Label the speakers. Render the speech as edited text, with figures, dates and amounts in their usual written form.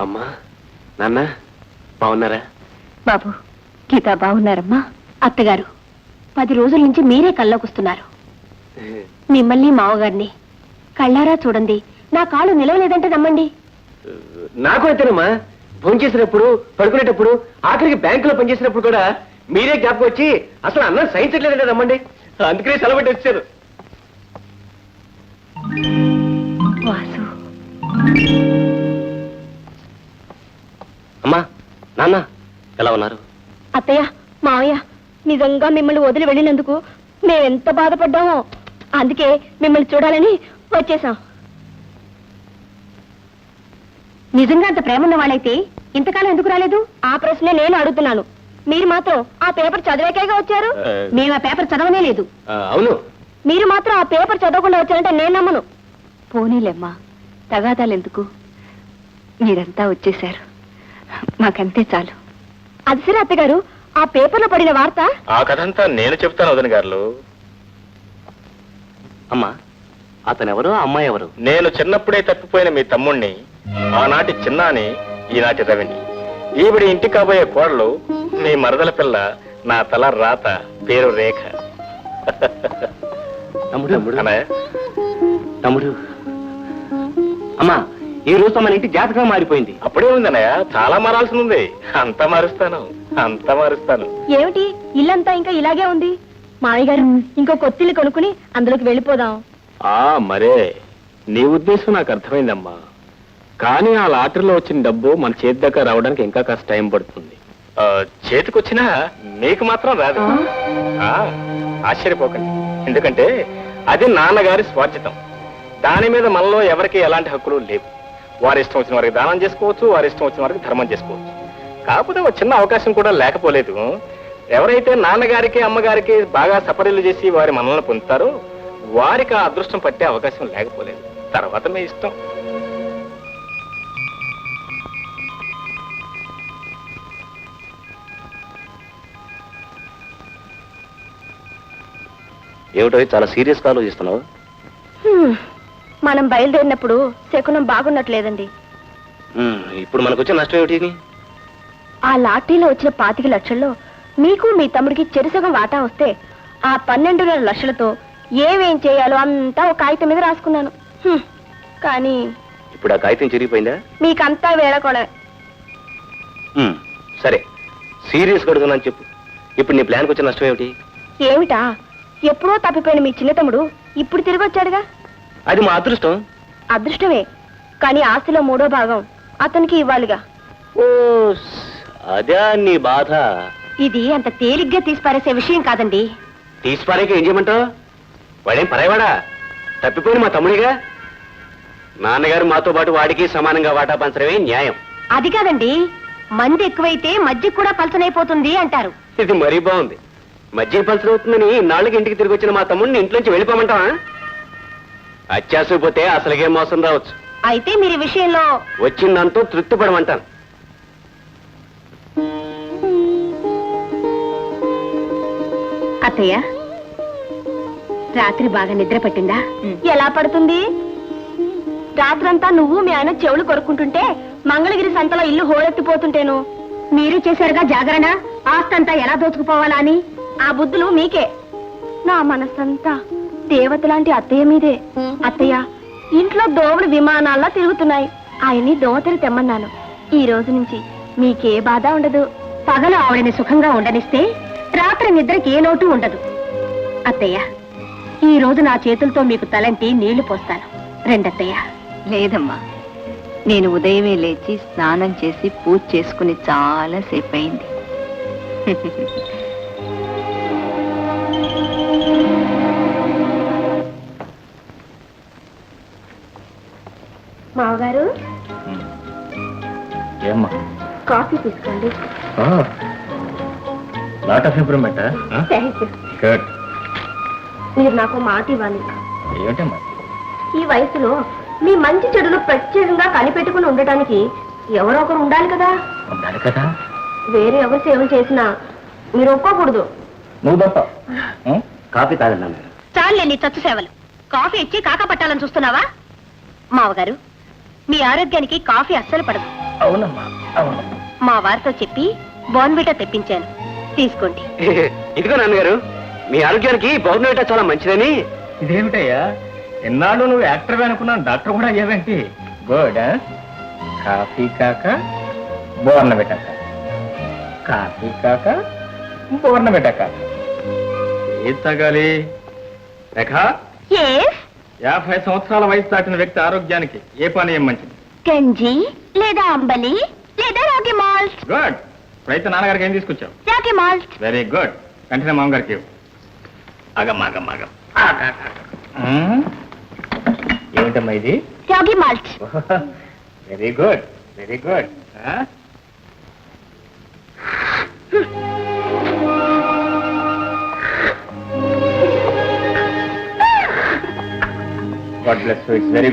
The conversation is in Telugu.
Speaker 1: అమ్మా నాన్న బాగున్నారా?
Speaker 2: బాబు గీత బాగున్నారమ్మా. అత్తగారు 10 రోజుల నుంచి మీరే కల్లోకొస్తున్నారు. మిమ్మల్ని మావగారిని కళ్ళారా చూడండి. నా కాళ్ళు నిలవలేదంటే నమ్మండి.
Speaker 1: నాకు అయితేనమ్మా ఫోన్ చేసినప్పుడు పడుకునేటప్పుడు ఆఖరికి బ్యాంకులో పనిచేసినప్పుడు కూడా మీరే జ్ఞాపకం వచ్చి అసలు అన్నం సహించట్లేదంటే నమ్మండి. అందుకనే సెలవు వచ్చారు.
Speaker 2: వాసు
Speaker 1: అమ్మా నాన్న ఎలా ఉన్నారు?
Speaker 2: అత్తయ్య మావయ్య నిజంగా మిమ్మల్ని వదిలి వెళ్ళినందుకు మేమెంత బాధపడ్డామో. అందుకే మిమ్మల్ని చూడాలని వచ్చేసాం. నిజంగా అంత ప్రేమ ఉన్న వాళ్ళైతే ఇంతకాలం ఎందుకు రాలేదు? ఆ ప్రశ్నే నేను అడుగుతున్నాను. మీరు మాత్రం ఆ పేపర్ చదివాకేగా వచ్చారు. మేము ఆ పేపర్ చదవనే లేదు.
Speaker 1: అవును,
Speaker 2: మీరు మాత్రం ఆ పేపర్ చదవకుండా వచ్చారంటే నేను నమ్మను. పోనీలేమ్మా, తగాదాలెందుకు? మీరంతా వచ్చేశారు, మాకంతే చాలు. అది సరే అత్తగారు, ఆ పేపర్లో పడిన వార్త
Speaker 3: ఆ కథంతా నేను చెప్తాను వదిన గారు.
Speaker 1: అమ్మా అతనెవరు, అమ్మాయి ఎవరు?
Speaker 3: నేను చిన్నప్పుడే తప్పిపోయిన మీ తమ్ముణ్ణి, ఆనాటి చిన్నాని, ఈనాటి రవిని. ఈవిడి ఇంటి కాబోయే కోడలు మీ మరదల పిల్ల, నా తల రాత, పేరు రేఖ. అన్నయ్య
Speaker 1: తమ్ముడు అమ్మా ఈ రోజు మన ఇంటి జాతకం మారిపోయింది.
Speaker 3: అప్పుడే ఉంది అన్నయ్య, చాలా మారాల్సి ఉంది. అంతా మారుస్తాను, అంతా మారుస్తాను.
Speaker 2: ఏమిటి ఇల్లంతా ఇంకా ఇలాగే ఉంది? మామయ్య గారు ఇంకో కొత్తిల్లు కొనుక్కుని అందులోకి వెళ్ళిపోదాం.
Speaker 3: మరే నీ ఉద్దేశం నాకు అర్థమైందమ్మా. కానీ ఆ లాటరీలో వచ్చిన డబ్బు మన చేతి దగ్గర రావడానికి ఇంకా కాస్త టైం పడుతుంది. చేతికొచ్చినా మీకు మాత్రం రాదు. ఆశ్చర్యపోకండి, ఎందుకంటే అది నాన్నగారి స్వార్జితం. దాని మీద మనలో ఎవరికి ఎలాంటి హక్కులు లేవు. వారి ఇష్టం వచ్చిన వారికి దానం చేసుకోవచ్చు, వారి ఇష్టం వచ్చిన వారికి ధర్మం చేసుకోవచ్చు. కాకపోతే ఒక చిన్న అవకాశం కూడా లేకపోలేదు. ఎవరైతే నాన్నగారికి అమ్మగారికి బాగా సపరీలు చేసి వారి మనల్ని పొందుతారో వారికి ఆ అదృష్టం పట్టే అవకాశం లేకపోలేదు. తర్వాత మీ ఇష్టం.
Speaker 1: ఏమిటో చాలా సీరియస్ గా ఆలోచిస్తున్నావు?
Speaker 2: మనం బయలుదేరినప్పుడు శకునం బాగున్నట్లేదండి.
Speaker 1: ఇప్పుడు మనకు వచ్చే నష్టం ఏమిటి?
Speaker 2: ఆ లాటరీలో వచ్చిన 25 లక్షల్లో మీకు మీ తమ్ముడికి చెరుసగం వాటా వస్తే ఆ 12.5 లక్షలతో ఏమేం చేయాలో అంతా ఒక కాగితం మీద రాసుకున్నాను. కానీ
Speaker 1: ఇప్పుడు ఆ కాగితం చిరిగిపోయిందా?
Speaker 2: మీకంతా వేళకోళమే.
Speaker 1: సరే సీరియస్ గా అడుగుతున్నాను, చెప్పు. ఇప్పుడు నీ ప్లాన్కి వచ్చిన నష్టం ఏమిటి?
Speaker 2: ఏమిటా? ఎప్పుడో తప్పిపోయిన మీ చిన్న తమ్ముడు ఇప్పుడు తిరిగి వచ్చాడుగా.
Speaker 1: అది మా అదృష్టం.
Speaker 2: అదృష్టమే, కానీ ఆస్తిలో 3వ భాగం అతనికి ఇవ్వాలిగా.
Speaker 1: ఓ అదే నీ బాధ.
Speaker 2: ఇది అంత తేలిగ్గా తీసిపారేసే విషయం కాదండి.
Speaker 1: తీసిపారేక ఏం చేయమంటావు? వాడేం పరాయవాడా? తప్పిపోయిన మా తమ్ముడిగా. నాన్నగారు మాతో పాటు వాడికి సమానంగా వాటా పంచడమే న్యాయం.
Speaker 2: అది కాదండి, మంది ఎక్కువైతే మజ్జిగ కూడా పలచనైపోతుంది అంటారు.
Speaker 1: ఇది మరీ బాగుంది. మజ్జిగ పలచనవుతుందని నాళ్ళకి ఇంటికి తిరిగి వచ్చిన మా తమ్ముడిని ఇంట్లోంచి వెళ్ళిపోమంటావా? అత్యాసపోతే అసలుగే మోసం రావచ్చు.
Speaker 2: అయితే మీరు ఈ విషయంలో
Speaker 1: వచ్చిందంటూ తృప్తి పడమంటాను.
Speaker 2: అత్తయ్య రాత్రి బాగా నిద్ర పట్టిందా? ఎలా పడుతుంది? రాత్రంతా నువ్వు మీ ఆయన చెవులు కొరుక్కుంటుంటే మంగళగిరి సంతలో ఇల్లు హోరెత్తిపోతుంటేను మీరు చేశారుగా జాగరణ, ఆస్తంతా ఎలా దోచుకుపోవాలా అని. ఆ బుద్ధులు మీకే. నా మనసంతా దేవత లాంటి అత్తయ్య మీదే. అత్తయ్య ఇంట్లో దోవలు విమానాల్లా తిరుగుతున్నాయి. ఆయన్ని దోవతలు తెమ్మన్నాను. ఈ రోజు నుంచి మీకే బాధ ఉండదు. పగలు ఆవిడని సుఖంగా ఉండనిస్తే రాత్రి నిద్రకి ఏ లోటు ఉండదు. అత్తయ్య ఈ రోజు నా చేతులతో మీకు తలంటి నీళ్లు పోస్తాను. రెండత్తయ్య.
Speaker 4: లేదమ్మా, నేను ఉదయమే లేచి స్నానం చేసి పూజ చేసుకుని చాలా సేపు అయింది.
Speaker 2: మావగారు
Speaker 3: ఏమ్మా?
Speaker 2: కాఫీ తీసుకోండి.
Speaker 3: Lot of improvement.
Speaker 2: మీరు నాకు మాట ఇవ్వాలి.
Speaker 3: ఏమిటమ్మా?
Speaker 2: ఈ వయసులో మీ మంచి చెడులు ప్రత్యేకంగా కనిపెట్టుకుని ఉండటానికి ఎవరో ఒకరు ఉండాలి కదా.
Speaker 3: ఉండాలి కదా.
Speaker 2: వేరే ఎవరు సేవలు చేసినా మీరు ఒప్పుకోకూడదు.
Speaker 3: నువ్వు తప్ప.
Speaker 1: కాఫీ తాగండి.
Speaker 2: చాలే నీ చచ్చు సేవలు. కాఫీ ఇచ్చి కాక పట్టాలని చూస్తున్నావా? మావగారు మీ ఆరోగ్యానికి కాఫీ అస్సలు పడదు.
Speaker 3: అవునమ్మా అవును.
Speaker 2: మా వారితో చెప్పి బోర్న్విటా తెప్పించాను, తీసుకోండి.
Speaker 1: ఇదిగో నాన్నగారు, మీ ఆరోగ్యానికి బౌర్నవిటా చాలా మంచిదని.
Speaker 3: ఇదేమిటయ్యా, ఎన్నాళ్ళు నువ్వు యాక్టర్ అనుకున్నాను, డాక్టర్ కూడా అయ్యావేంటి? గుడ్. కాఫీ కాక బోర్నవిటా కాక, కాఫీ కాక బోర్నవిటా కాక. ఏది తాగాలి రేఖ? 50 సంవత్సరాల వయసు దాటిన వ్యక్తి ఆరోగ్యానికి ఏ పానీయం మంచిది?
Speaker 2: గంజి లేదా అంబలి లేదా రాగి మాల్ట్.
Speaker 3: గుడ్. అయితే నాన్నగారికి ఏం తీసుకొచ్చావు?
Speaker 2: రాగి మాల్ట్.
Speaker 3: Very good. వెంటనే మామగారికి ఇవ్వు. ఆగం. ఏమిటమ్మా ఇది?
Speaker 2: Ragi malt.
Speaker 3: Very good, very good. God bless you. It's very